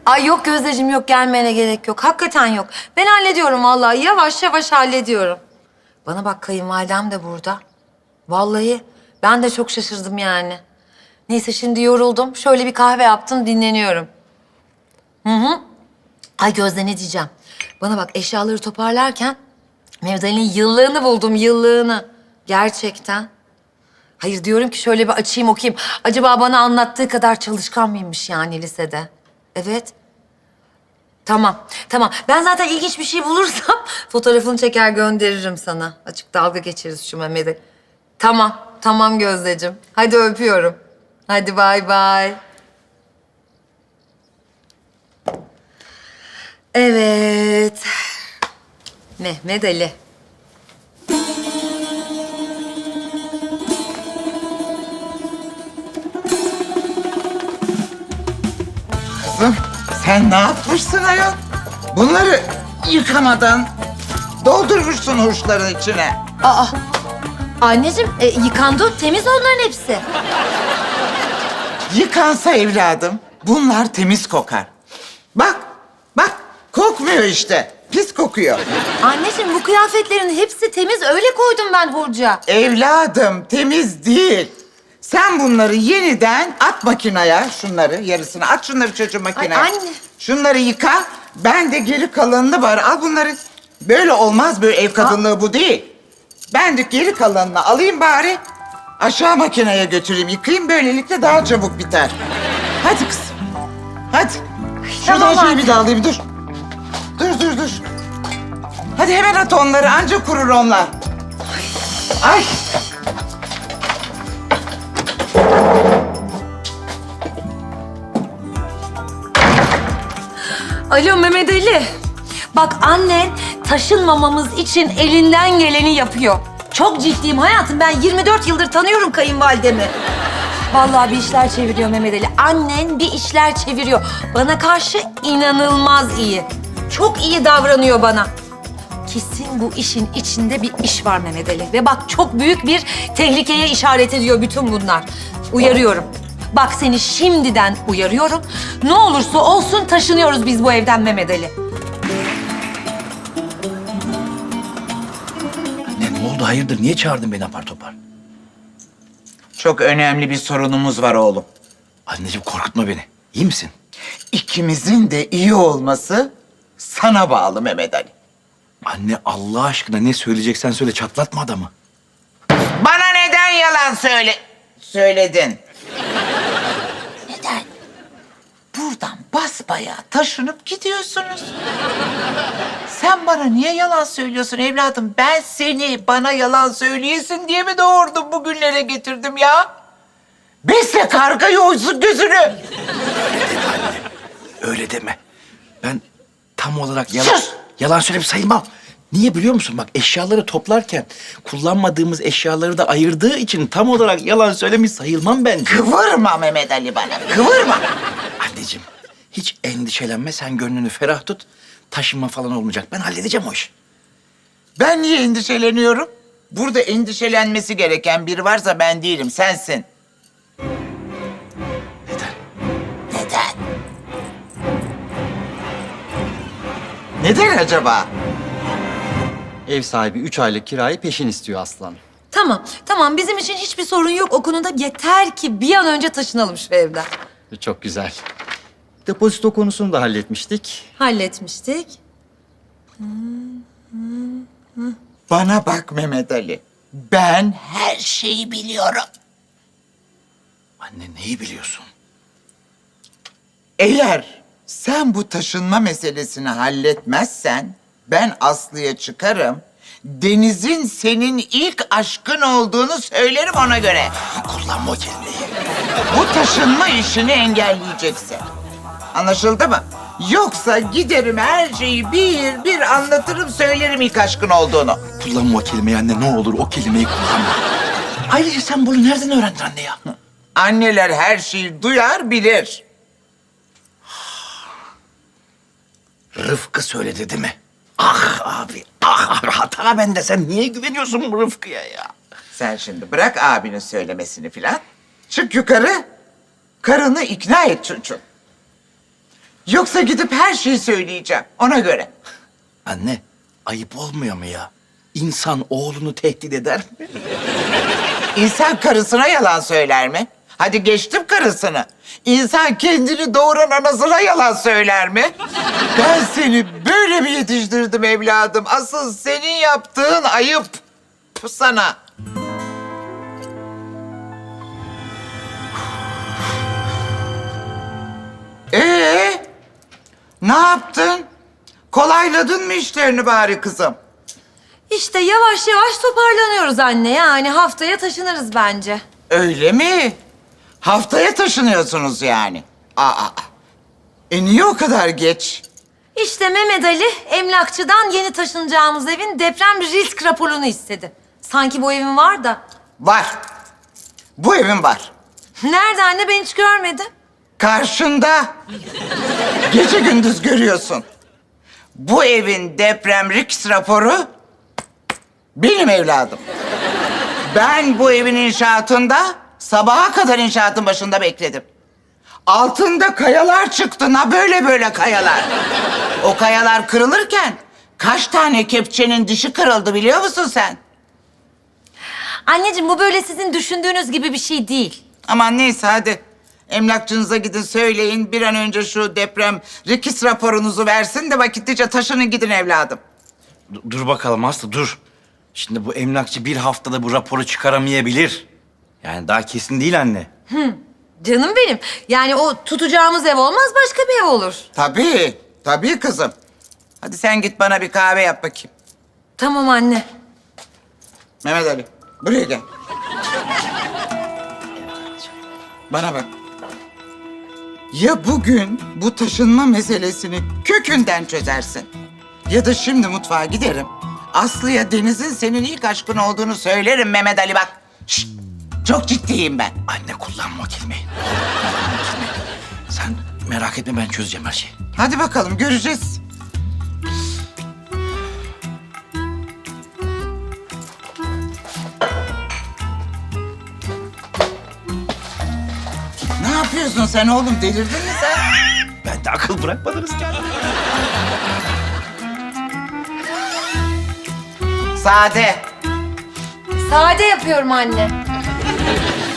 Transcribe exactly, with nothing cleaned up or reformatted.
Ay yok Gözdeciğim, yok gelmene gerek yok. Hakikaten yok. Ben hallediyorum vallahi. Yavaş yavaş hallediyorum. Bana bak, kayınvalidem de burada. Vallahi ben de çok şaşırdım yani. Neyse şimdi yoruldum. Şöyle bir kahve yaptım, dinleniyorum. Hı hı. Ay Gözde, ne diyeceğim? Bana bak, eşyaları toparlarken Mehmet Ali'nin yıllığını buldum, yıllığını. Gerçekten. Hayır, diyorum ki şöyle bir açayım okuyayım. Acaba bana anlattığı kadar çalışkan mıymış yani lisede? Evet. Tamam, tamam. Ben zaten ilginç bir şey bulursam fotoğrafını çeker gönderirim sana. Açık dalga geçeriz şu Mehmet'e. Tamam, tamam Gözdeciğim. Hadi öpüyorum. Hadi bay bay. Evet. Mehmet Ali. Kızım sen ne yapmışsın ayol? Bunları yıkamadan doldurmuşsun hurçların içine. Aa, anneciğim e, yıkandı, temiz onların hepsi. Yıkansa evladım bunlar temiz kokar. Bak, bak kokmuyor işte. Pis kokuyor. Anneciğim bu kıyafetlerin hepsi temiz, öyle koydum ben hurca. Evladım temiz değil. Sen bunları yeniden at makineye, şunları yarısını at şunları çocuğun makineye. Ay, anne. Şunları yıka, ben de geri kalanını bari al bunları. Böyle olmaz, böyle ev kadınlığı bu değil. Ben de geri kalanını alayım bari. Aşağı makineye götüreyim, yıkayayım, böylelikle daha çabuk biter. Hadi kızım, hadi. Şuradan tamam şöyle anne. bir de alayım, dur. Dur, dur, dur. Hadi hemen at onları, anca kurur onlar. Ay. Alo Mehmet Ali. Bak annen taşınmamamız için elinden geleni yapıyor. Çok ciddiyim hayatım. Ben yirmi dört yıldır tanıyorum kayınvalidemi. Vallahi bir işler çeviriyor Mehmet Ali. Annen bir işler çeviriyor. Bana karşı inanılmaz iyi. Çok iyi davranıyor bana. Kesin bu işin içinde bir iş var Mehmet Ali. Ve bak çok büyük bir tehlikeye işaret ediyor bütün bunlar. Uyarıyorum. Bak seni şimdiden uyarıyorum. Ne olursa olsun taşınıyoruz biz bu evden Mehmet Ali. Ne, ne oldu hayırdır? Niye çağırdın beni apar topar? Çok önemli bir sorunumuz var oğlum. Anneciğim korkutma beni. İyi misin? İkimizin de iyi olması sana bağlı Mehmet Ali. Anne Allah aşkına ne söyleyeceksen söyle, çatlatma adamı. Bana neden yalan söyle söyledin? Neden? Buradan basbayağı taşınıp gidiyorsunuz. Sen bana niye yalan söylüyorsun evladım? Ben seni bana yalan söyleyesin diye mi doğurdum, bugünlere getirdim ya? Besle kargayı, oysun gözünü. Öyle deme. Ben tam olarak yalan, Sus! yalan söylemiş sayılmam. Niye biliyor musun? Bak eşyaları toplarken kullanmadığımız eşyaları da ayırdığı için tam olarak yalan söylemiş sayılmam bence. Kıvırma Mehmet Ali bana, kıvırma. Anneciğim hiç endişelenme, sen gönlünü ferah tut. Taşınma falan olmayacak. Ben halledeceğim o işi. Ben niye endişeleniyorum? Burada endişelenmesi gereken biri varsa ben değilim, sensin. Neden? Neden? Neden acaba? Ev sahibi üç aylık kirayı peşin istiyor Aslan. Tamam, tamam. Bizim için hiçbir sorun yok o konuda. Yeter ki bir an önce taşınalım şu evden. Çok güzel. Depozito konusunu da halletmiştik. Halletmiştik. Bana bak Mehmet Ali. Ben her şeyi biliyorum. Anne neyi biliyorsun? Eğer sen bu taşınma meselesini halletmezsen ben Aslı'ya çıkarım. Deniz'in senin ilk aşkın olduğunu söylerim ona göre. Kullanma o kelimeyi. Bu taşınma işini engelleyeceksin. Anlaşıldı mı? Yoksa giderim her şeyi bir bir anlatırım, söylerim ilk aşkın olduğunu. Kullanma o kelimeyi anne, ne olur o kelimeyi kullanma. Ayrıca sen bunu nereden öğrendin anne ya? Anneler her şeyi duyar, bilir. Rıfkı söyledi değil mi? Ah abi, ah hata bende. Sen niye güveniyorsun bu Rıfkı'ya ya? Sen şimdi bırak abinin söylemesini filan. Çık yukarı, karını ikna et çocuğum. Yoksa gidip her şeyi söyleyeceğim ona göre. Anne, ayıp olmuyor mu ya? İnsan oğlunu tehdit eder mi? İnsan karısına yalan söyler mi? Hadi geçtim karısını. İnsan kendini doğuran anasına yalan söyler mi? Ben seni böyle mi yetiştirdim evladım? Asıl senin yaptığın ayıp sana. Ee, ne yaptın? Kolayladın mı işlerini bari kızım? İşte yavaş yavaş toparlanıyoruz anne. Yani haftaya taşınırız bence. Öyle mi? Haftaya taşınıyorsunuz yani. Aa, e niye o kadar geç? İşte Mehmet Ali emlakçıdan yeni taşınacağımız evin deprem risk raporunu istedi. Sanki bu evin var da. Var. Bu evin var. Nerede anne, ben hiç görmedim. Karşında. Gece gündüz görüyorsun. Bu evin deprem risk raporu benim evladım. Ben bu evin inşaatında sabaha kadar inşaatın başında bekledim. Altında kayalar çıktı, na böyle böyle kayalar. O kayalar kırılırken kaç tane kepçenin dişi kırıldı biliyor musun sen? Anneciğim bu böyle sizin düşündüğünüz gibi bir şey değil. Aman neyse hadi. Emlakçınıza gidin söyleyin bir an önce şu deprem risk raporunuzu versin de vakitlice taşının gidin evladım. D- dur bakalım Aslı, dur. Şimdi bu emlakçı bir haftada bu raporu çıkaramayabilir. Yani daha kesin değil anne. Canım benim. Yani o tutacağımız ev olmaz, başka bir ev olur. Tabii, tabii kızım. Hadi sen git bana bir kahve yap bakayım. Tamam anne. Mehmet Ali, buraya gel. Bana bak. Ya bugün bu taşınma meselesini kökünden çözersin. Ya da şimdi mutfağa giderim. Aslı'ya Deniz'in senin ilk aşkın olduğunu söylerim Mehmet Ali bak. Şşt, çok ciddiyim ben. Anne kullanma o kelimeyi. Kullanma o kelimeyi. Sen merak etme, ben çözeceğim her şeyi. Hadi bakalım göreceğiz. Ne yapıyorsun sen oğlum? Delirdin mi sen? Ben de akıl bırakmadınız ki anne. Sade. Sade yapıyorum anne.